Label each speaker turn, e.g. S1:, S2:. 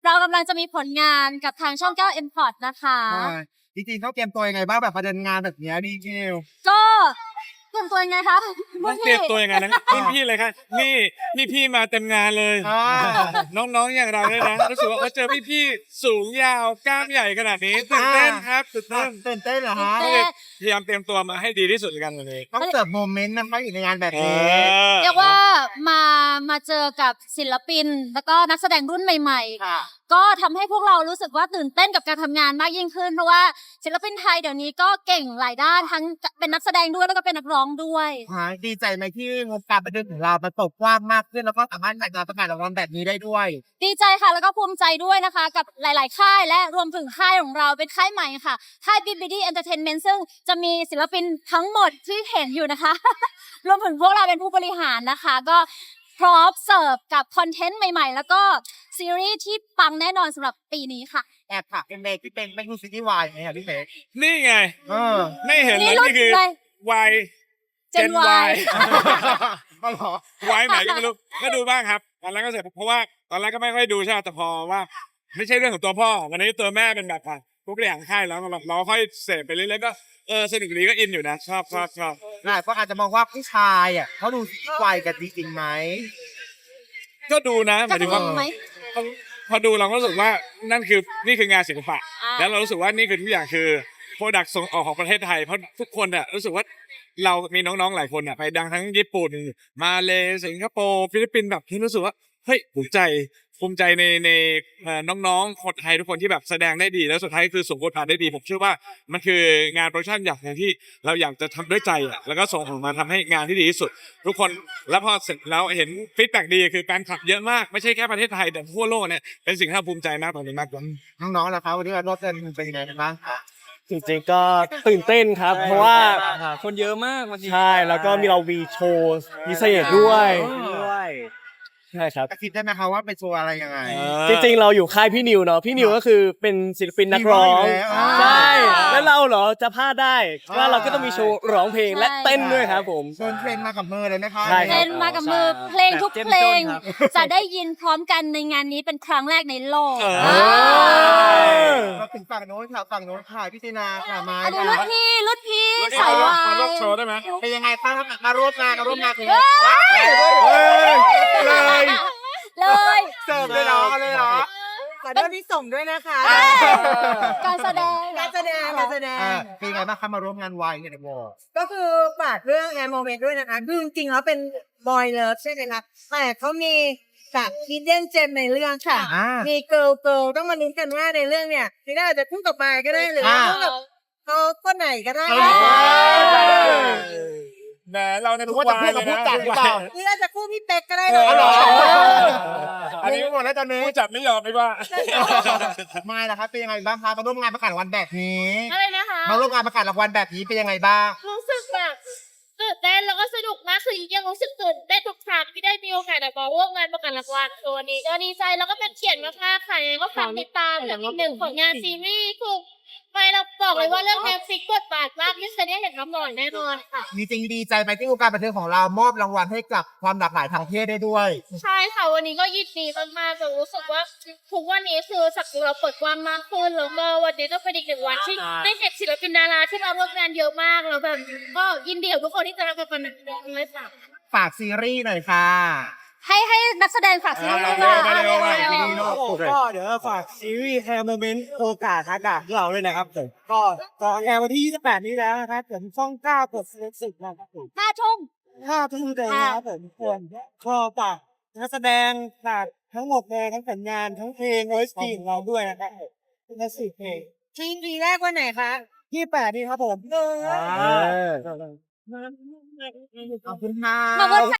S1: เรากำลังจะมีผลงานกับทางช่อง9 Import นะคะ
S2: จริงๆเขาเตรียมตัวยังไงบ้างแบบประเด็นงานแบบนี้ดีเจล
S1: ก็เตรียมตัวยังไงคะ
S3: ต้องเตรียมตัวยังไงนะพี่เลยครับนี่พี่มาเต็มงานเลย น้องๆอย่างเราเนี่ยนะรู้สึกว่าเจอพี่สูงยาวกล้ามใหญ่ขนาดนี้ตื่นเต้นครับตื่นเต้น
S2: เหรอฮะ
S3: พยายามเตรียมตัวมาให้ดีที่สุดกันเลย
S2: ต้องเสิร์ฟโมเมนต์นะคะอยู่ในงานแบบนี้
S1: เรียกว่ามาเจอกับศิลปินแล้วก็นักแสดงรุ่นใหม่ๆก็ทำให้พวกเรารู้สึกว่าตื่นเต้นกับการทำงานมากยิ่งขึ้นเพราะว่าศิลปินไทยเดี๋ยวนี้ก็เก่งหลายด้านทั้งเป็นนักแสดงด้วยแล้วก็เป็นนักร้องด้วย
S2: ดีใจไหมที่วงการบันเทิงของเรามันเปิดกว้างมากขึ้นแล้วก็สามารถจัดงานประกาศรางวัลแบบนี้ได้ด้วย
S1: ดีใจค่ะแล้วก็ภูมิใจด้วยนะคะกับหลายๆค่ายและรวมถึงค่ายของเราเป็นค่ายใหม่ค่ะค่าย BBD Entertainment ซึ่งจะมีศิลปินทั้งหมดที่เห็นอยู่นะคะ รวมถึงพวกเราเป็นผู้บริหารนะคะก็พร้อมเสิร์ฟกับคอนเทนต์ใหม่ๆแล้วก็ซีรีส์ที่ปังแน่นอนสำหรับปีนี้ค่ะ
S2: แอบค่ะเป็นเมย์ที่เป็นไม่รู้ซีรีส์วายไงครับพี่เมย์
S3: นี่ไงไม่เห็นเลยนี่คือวาย
S1: เจนวาย
S2: ก็หรอ
S3: วายไหนก็ไม่รู้ก็ดูบ้างครับตอนแรกก็เสร็จเพราะว่าตอนแรกก็ไม่ค่อยดูใช่แต่พอว่าไม่ใช่เรื่องของตัวพ่อวันนี้ตัวแม่เป็นแบบทุกอย่างค่ายแล้วเราค่อยเสพไปเรื่อยๆก็สนุกดีก็อินอยู่นะชอบ
S2: หลายคนอาจจะมองว่าผู้ชายเขาดูซีรีส์วายกันจริงๆไหม
S3: ก็ดูนะหมายถึงว่าพอดูเราก็รู้สึกว่านี่คืองานศิลปะแล้วเรารู้สึกว่านี่คือทุกอย่างคือโปรดักต์ส่งออกของประเทศไทยเพราะทุกคนรู้สึกว่าเรามีน้องๆหลายคนไปดังทั้งญี่ปุ่นมาเลสิงคโปร์ฟิลิปปินส์แบบที่รู้สึกว่าเฮ้ยภูมิใจในน้องๆคนไทยทุกคนที่แบบแสดงได้ดีแล้วสุดท้ายคือส่งบทบาทได้ดีผมเชื่อว่ามันคืองานโปรดักชั่นอย่างที่เราอยากจะทำด้วยใจแล้วก็ส่งออกมาทำให้งานที่ดีที่สุดทุกคนแล้วพอเสร็จแล้วเห็นฟีดแบ็กดีคือแฟนคลับเยอะมากไม่ใช่แค่ประเทศไทยแต่ทั่วโลกเนี่ยเป็นสิ่งที่เราภูมิใจมากตอนนี้มาก
S2: น้องๆล่ะครับวันนี้รถเต้นเป็นยังไงบ้าง
S4: จริงๆก็ตื่นเต้นครับเพราะว่า
S5: คนเยอะมาก
S4: ใช่แล้วก็มีเราวีโชว์พิเศษด้วยใช่ครับ
S2: คิดได้ไหมครับว่าเป็นโชว์อะไรยังไง
S4: จริงๆเราอยู่ค่ายพี่นิวเนาะพี่นิวก็คือเป็นศิลปินนักร้องใช่แล้วเราเหรอจะพลาดได้ว่าเราก็ต้องมีโชว์ร้องเพลงและเต้นด้วยครับผม
S2: เชิญเพลงมากับมือเลยนะคะ
S1: เต้นมากับมือเพลงทุกเพลงจะได้ยินพร้อมกันในงานนี้เป็นครั้งแรกในโลก
S2: มาถึงฝั่งโน้นค่ะพี่ตินาค่ะมา
S1: รุ่นพี่สายวาย
S3: โชว์ได้ไหม
S2: เป็นยังไงบ้างมาร่วมงานเลยเสิร์ฟเลยเหรอ
S6: ขอโทษที่ส่งด้วยนะคะ
S1: การแสดง
S2: เป็นไงบ้างคะมาร่วมงานวายในวอล
S6: ก็คือฝากเรื่องแอร์โมเมนต์ด้วยนะคะคือจริงๆแล้วเป็นบอยเลิฟใช่ไหมคะแต่เขามีจากฮิดเด้นเจมในเรื่องค่ะมีเกิร์ลต้องมาลุ้นกันว่าในเรื่องเนี่ยนี่น่าจะคู่กับมาก็ได้หรือคู่กับเขาคนไหนก็ได้
S3: แหมเราในทุกวันเลยนะ
S6: นี่อาจจะคู่พี่เป็กก็ได้
S2: เลย
S3: อันนี้หมดแล้วตอนนี้จับไม่ยอมไม่ว่า
S2: ไม่ละครับเป็นยังไงบ้างคะมาร่วมงานประกาศรางวัลแบบนี้
S1: อะไรนะคะ
S2: มาร่วมงานประกาศรางวัลแบบนี้เป็นยังไงบ้าง
S1: รู้สึกแบบตื่นเต้นแล้วก็สนุกมากคือยังรู้สึกตื่นเต้นทุกครั้งที่ได้มีโอกาสมาร่วมงานประกาศรางวัลตัวนี้ก็ดีใจแล้วก็เป็นเกียรติมากๆค่ะก็ฝากติดตามอย่างหนึ่งผลงานซีรีส์คือไปเราบอกเลยว่าเรื่องแนวฟิกบทบาทมากที่จะได้เห็นน้ำหน่อยแน่นอนค่ะ
S2: มีจริงดีใจไหมที่วงการบันเทิงของเรามอบรางวัลให้กับความหลากหลายทางเพศได้ด้วย
S1: ใช่ค่ะวันนี้ก็ยินดีมากๆแต่รู้สึกว่าทุกวันนี้คือศักดิ์เราเปิดกว้างมากขึ้นแล้วก็วันนี้ก็เป็นอีกหนึ่งวันที่ได้เห็นศิลปินดาราที่มาร่วมงานเยอะมากแล้วแบบก็ยินดีกับทุกคนที่จะรับเป็นเลยค่ะ
S2: ฝากซีรีส์หน่อยค่ะ
S1: ให้นักแสดงฝากซีรีส์ด้วย
S5: ก็เดี๋ยวฝากซีรีส์แฮมเมนต์โอกาสทักกะเราเลยนะครับก็ตอนแอร์วันที่28นี้แล้วนะครับผมช่อง9กด10นะครับผม
S1: 5 ทุ่ม
S5: เลยนะครับผมก็ฝากนักแสดงฝากทั้งหมดเลยทั้งผลงานทั้งเพลง OST ของเราด้วยนะครับเป็น10 เพลง
S6: ทีแรกวันไหนคะ
S5: 28นี้ครับผม
S2: ขอบคุณค่ะ